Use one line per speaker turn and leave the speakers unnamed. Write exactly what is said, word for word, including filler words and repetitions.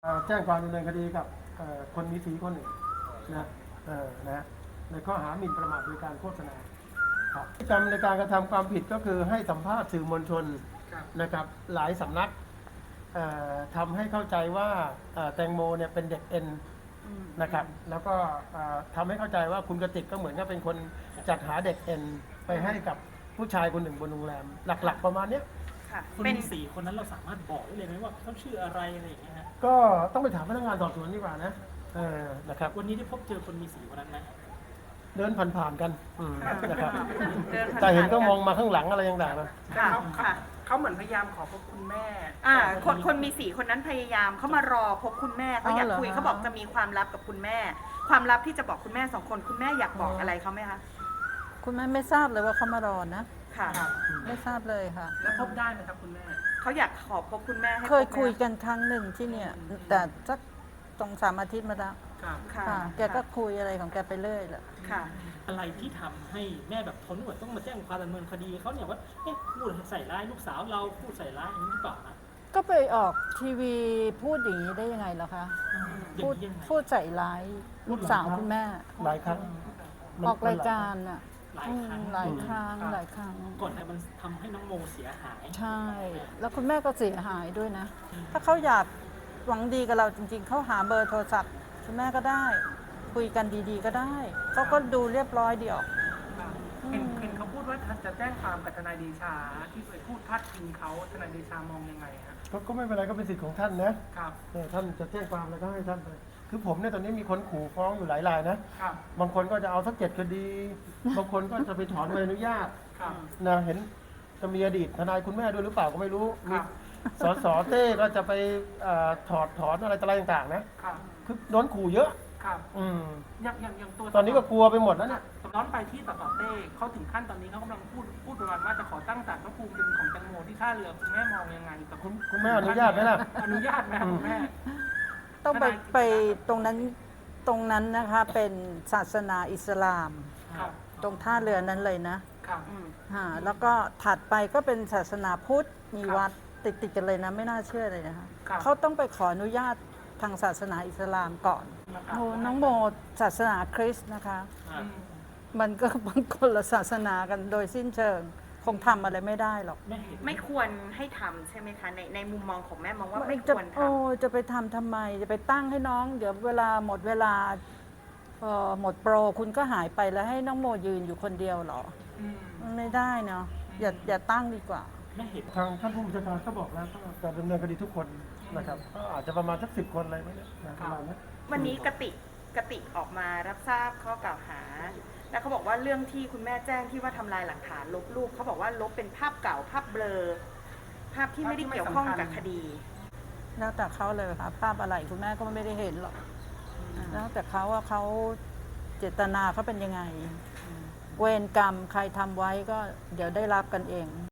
เอ่อแจ้งความดำเนินคดีกับเอ่อคนมีสีคนหนึ่งนะเออนะฮะในข้อหาหมิ่นประมาทโดยการโฆษณาครับพฤติกรรมในการกระทำความผิดก็คือให้สัมภาษณ์สื่อมวลชนนะครับหลายสำนักเอ่อทำให้เข้าใจว่าเอ่อแตงโมเนี่ยเป็นเด็กเอ็นนะครับแล้วก็เอ่อทำให้เข้าใจว่าคุณกติกก็เหมือนกับเป็นคนจัดหาเด็กเอ็นไปให้กับผู้ชายคนหนึ่งบนโรงแรมหลักๆประมาณเนี้ย
ค่ะ
คน
เป็น
มีสี่คนนั้นเราสามารถบอกได้เลยไหมว่าเขาชื่ออะไรอะไรอย่างเงี้ยฮะ
ก็ต้องไปถามพนักงานสอบสวนดีกว่านะเออนะครับ
วันนี้ได้พบเจอคนมีสีคนนั้นไหม
เดินผ่านๆกันอืมนะครับ
เดินผ่านๆ
แต่เห็นก็มองมาข้างหลังอะไรต่างๆนะ
ค่ะ
เขา
ค่ะ
เขาเหมือนพยายามขอพบคุณแม่
อ่าคนคนมีสีคนนั้นพยายามเขามารอพบคุณแม่เขาอยาก
อ๋อเหรอ
คุย
คะ
เขาบอกจะมีความลับกับคุณแม่ ความลับที่จะบอกคุณแม่สองคนคุณแม่อยากบอกอะไรเขาไหมคะ
คุณแม่ไม่ทราบเลยว่าเขามารอนะ
ค่ะ
ไม่ทราบเลยค่ะ
แล้วพบได้ไหมครับคุณแม่
เขาอยากขอพบคุณแม่ให้
เคย
พบไหม
คุยกันครั้งหนึ่งที่เนี่ย แต่สักสองสามอาทิตย์มาแล้ว
ครับ
ค่ะ
ค่ะ แกก็คุยอะไรของแกไปเรื่อยแหละ
ค่ะ
อะไรที่ทำให้แม่แบบทนไม่ไหวต้องมาแจ้งความดำเนินคดีเขาเนี่ยว่าเอ๊ะพูดใส่ร้ายลูกสาวเราพูดใส่ร้ายอย่างนี้หรือเปล่านะ
ก็ไปออกทีวีพูดอย่างนี้ได้ยังไงล่ะคะ
อย่า
พู
ง
ด
นี้ยังไง
พูดใส่ร้ายลูกสาวคุณแม่
หลายครั้งมัน
ออกรายการอ่ะ
หลาย
อื
ครั้ง
มหลายครั้งหลายครั้ง
ก่อนหน้ามันทำให้น้องโมเสียหาย
ใช่ แล้วคุณแม่ก็เสียหายด้วยนะ ถ้าเขาอยากหวังดีกับเราจริงๆ เขาหาเบอร์โทรศัพท์คุณแม่ก็ได้ คุยกันดีๆก็ได้ เขาก็ดูเรียบร้อยดีออก
เห็นเห็นเขาพูดว่าจะแจ้งความกับทนายเดชาที่ไปพูดพาดพิงเขาทนายเดชามองยังไงครับ
ก็ก็ไม่เป็นไรก็เป็นสิทธิ์ของท่านนะครับ เออท่านจะแจ้งความอะไรก็ให้ท่านไปคือผมเนี่ยตอนนี้มีคนขู่ฟ้องอยู่หลายรายนะครับ บางคนก็จะเอาสักเจ็ดคดี บางคนก็จะไปถอนใบอนุญาต
ครับ
นะเห็นจะมีอดีตทนายคุณแม่ด้วยหรือเปล่าก็ไม่รู้
ค
มี
รับ
สสเต้ก็จะไปเอ่อถอดถอนอะไรต่างๆนะครับ คือโดนขู่เยอะ
ครับ
อืม
อย่างอย่างอย่างตัว
ตอนนี้ก็กลัวไปหมดแล้วเนี่ย
ย้อนไปที่สสเต้เขาถึงขั้นตอนนี้เขากำลังพูดพูดประมาณว่าจะขอตั้งศาลพระภูมิเป็นของแตงโมที่ท่าเรือคุณแม่มองยังไงกับ
คุณคุณแม่อนุญาตไหมล่ะ
อนุญาตไหมครับคุณแม่
ต้องไป
ทนาย
ไปตรงนั้นตรงนั้นนะคะเป็นศาสนาอิสลาม
ครับ
ตรงท่าเรือนั้นเลยนะครับ
อืม
ฮะแล้วก็ถัดไปก็เป็นศาสนาพุทธมี
ครับ
วัดติดติดๆกันเลยนะไม่น่าเชื่อเลยนะคะ
ครับ
เขาต้องไปขออนุญาตทางศาสนาอิสลามก่อน
นะครับ
โอ้น้องโมศาสนาคริสต์นะคะ
อ่า
อืม
มันก็บางคนละศาสนากันโดยสิ้นเชิง คงทำอะไรไม่ได้หรอก
แม่เห็น
ไม่ควรให้ทำใช่ไหมคะในในมุมมองของแม่มองว่าไม่ค
จะ
วรท
โอ้จะไปทำทำไม จะไปตั้งให้น้อง เดี๋ยวเวลาหมดเวลาเอ่อหมดโปรคุณก็หายไปแล้วให้น้องโมยืนอยู่คนเดียวเหรอ
อืม
มันไม่ได้เนาะอย่าอย่าตั้งดีกว่า
แม่เห็น
ทางท่านผู้บัญชาการก็บอกแล้วก็จะดำเนินคดีทุกคนนะครับก็อาจจะประมาณสักสิบคนอะไรไหมเนี่ยนะประมาณนั้น
ำวันนี้กติกกติกออกมารับทราบข้อกล่าวหา แล้วเขาบอกว่าเรื่องที่คุณแม่แจ้งที่ว่าทำลายหลักฐานลบรูปเขาบอกว่าลบเป็นภาพเก่าภาพเบลอ ภาพที่ไม่ได้เกี่ยวข้องกับคดี
แล้วแต่เขาเลยค่ะภาพอะไรคุณแม่ก็ไม่ได้เห็นหรอกแล้วแต่เขาว่าเขาเจตนาเขาเป็นยังไง เวรกรรมใครทำไว้ก็เดี๋ยวได้รับกันเอง